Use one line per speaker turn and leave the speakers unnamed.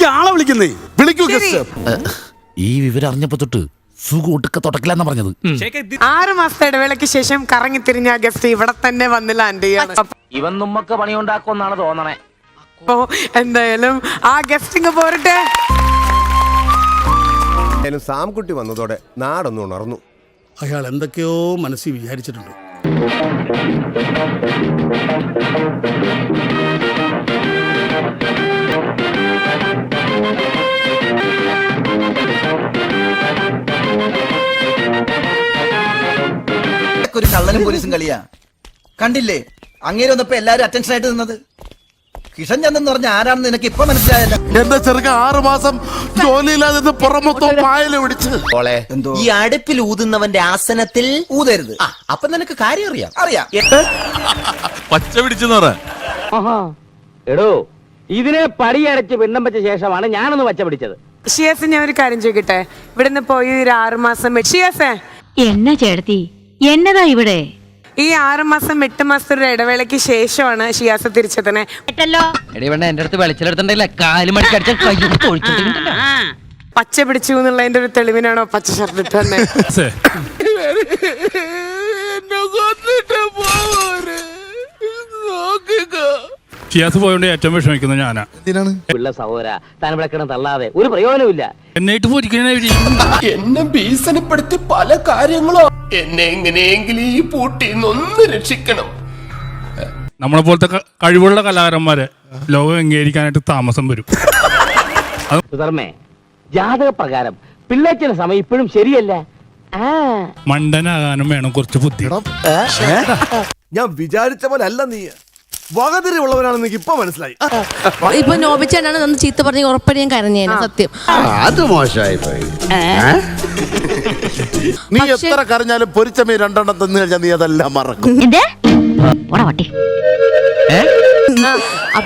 ആളെ വിളിക്കുന്നേ. വിളിക്കൂ ഗസ്റ്റ്.
ഈ വിവരം അറിഞ്ഞപ്പോ തൊട്ട് സുഖം ഒട്ടുക്ക തൊട്ടക്കില്ലെന്നാ പറഞ്ഞത്.
6 മാസത്തെ ഇടവേളയ്ക്ക് ശേഷം കറങ്ങി തിരിഞ്ഞ ഗസ്റ്റ് ഇവിടെ തന്നെ വന്ന് ലാൻഡ് ചെയ്യാണ്.
ഇവൻ നമ്മക്ക് പണിയുണ്ടാക്കുമെന്നാണ് തോന്നണേ.
അപ്പോ എന്തായാലും ആ ഗസ്റ്റിങ് പോരട്ടെ.
സാംകുട്ടി വന്നതോടെ നാടൊന്നും ഉണർന്നു.
അയാൾ എന്തൊക്കെയോ മനസ്സിൽ വിചാരിച്ചിട്ടുണ്ട്.
ഒരു കള്ളനും പോലീസും കളിയാ. കണ്ടില്ലേ അങ്ങേര് വന്നപ്പോ എല്ലാരും അറ്റൻഷൻ ആയിട്ട് നിന്നത്. കിഷൻ ചന്ദ് പറഞ്ഞ ആരാണെന്ന് നിനക്ക് ഇപ്പൊ മനസ്സിലായല്ല.
എന്റെ ചെറുക്ക 6 മാസം ജോലിയില്ലാതെ പുറമൊത്തം പായല പിടിച്ച്.
ഈ അടുപ്പിൽ ഊതുന്നവന്റെ ആസനത്തിൽ
ഊതരുത്.
അപ്പൊ നിനക്ക് കാര്യം അറിയാം.
അറിയാം.
പച്ച പിടിച്ചെന്ന് പറ.
എടോ ഇതിനെ പടിയടച്ച് പിണ്ണം വെച്ച ശേഷമാണ് ഞാനൊന്ന് പച്ച പിടിച്ചത്.
ഷിയാസ്, ഞാൻ ഒരു കാര്യം ചോദിക്കട്ടെ? ഇവിടുന്ന് പോയി ഒരു 6 മാസം ഷിയാസേ,
എന്ന ചേട്ടത്തി എന്നതാ ഇവിടെ?
ഈ 6 മാസം 8 മാസത്തെ ഒരു ഇടവേളയ്ക്ക് ശേഷമാണ് ഷിയാസ് തിരിച്ചെത്തണേ.
എന്റെ അടുത്ത് വെളിച്ചെടുത്തിട്ടില്ല കാല് മണിക്കടിച്ച
പച്ച പിടിച്ചു എന്നുള്ളതിന്റെ ഒരു തെളിവിനാണോ പച്ച ഷർട്ട് ഇട്ടന്നെ?
ഷിയാസ് പോയോണ്ട് ഏറ്റവും വിഷമിക്കുന്നത് ഞാനാ.
പിള്ള സഹോദര താൻ വിളക്കണം തള്ളാതെ ഒരു പ്രയോജനമില്ല.
എന്നിട്ട് പോയിരിക്കണേ.
എന്നെ ഭീഷണിപ്പെടുത്തി പല കാര്യങ്ങളോ. എന്നെ എങ്ങനെയെങ്കിലും ഈ പൂട്ടിന്നൊന്ന് രക്ഷിക്കണം.
നമ്മളെ പോലത്തെ കഴിവുള്ള കലാകാരന്മാരെ ലോകം അംഗീകരിക്കാനായിട്ട് താമസം വരും.
സുധർമ്മേ, ജാതക പ്രകാരം പിള്ളേച്ചന്റെ സമയം ഇപ്പോഴും ശരിയല്ല.
മണ്ടനാകാനും വേണം കുറച്ച് ബുദ്ധി.
ഞാൻ വിചാരിച്ച പോലെ അല്ല നീ. വകതിരിവുള്ളവനാണെന്ന് എനിക്ക് ഇപ്പൊ മനസ്സിലായി.
ഇപ്പൊ നോബിച്ചാണ് നന്ന് ചീത്ത പറഞ്ഞ ഉറപ്പടി ഞാൻ കരഞ്ഞേനെ. സത്യം
അത് മോശമായി പോയി.
നീ എത്ര കരഞ്ഞാലും പൊരിച്ച മീൻ 2 എണ്ണം തന്നു കഴിഞ്ഞാൽ നീ അതെല്ലാം മറക്കും.